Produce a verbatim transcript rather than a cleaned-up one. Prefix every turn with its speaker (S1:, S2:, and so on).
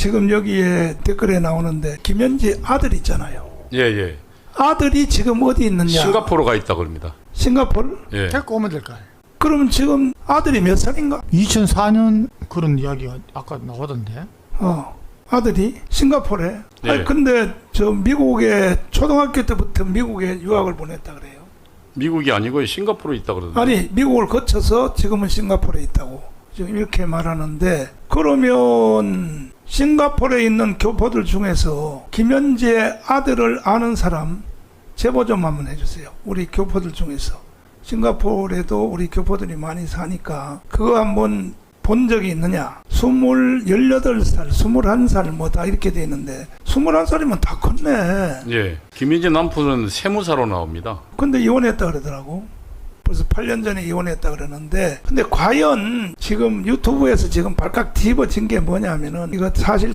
S1: 지금 여기에 댓글에 나오는데 김현지 아들 있잖아요.
S2: 예, 예.
S1: 아들이 지금 어디 있느냐?
S2: 싱가포르 가 있다 그럽니다.
S1: 싱가포르?
S2: 예.
S3: 데리고 오면 될까요?
S1: 그러면 지금 아들이 몇 살인가?
S3: 이천사 년 그런 이야기가 아까 나오던데.
S1: 어, 아들이 싱가포르에.
S2: 예.
S1: 아니 근데 저 미국에 초등학교 때부터 미국에 유학을 보냈다 그래요.
S2: 미국이 아니고 싱가포르에 있다 그러던데.
S1: 아니 미국을 거쳐서 지금은 싱가포르에 있다고 지금 이렇게 말하는데, 그러면 싱가포르에 있는 교포들 중에서 김현지의 아들을 아는 사람 제보 좀 한번 해주세요. 우리 교포들 중에서. 싱가포르에도 우리 교포들이 많이 사니까 그거 한번 본 적이 있느냐? 스물, 열여덟 살, 스물한 살 뭐 다 이렇게 돼 있는데 스물한 살이면 다 컸네.
S2: 예. 김현지 남편은 세무사로 나옵니다.
S1: 근데 이혼했다 그러더라고. 벌써 팔 년 전에 이혼했다 그러는데, 근데 과연 지금 유튜브에서 지금 발칵 뒤집어진 게 뭐냐면은 이거 사실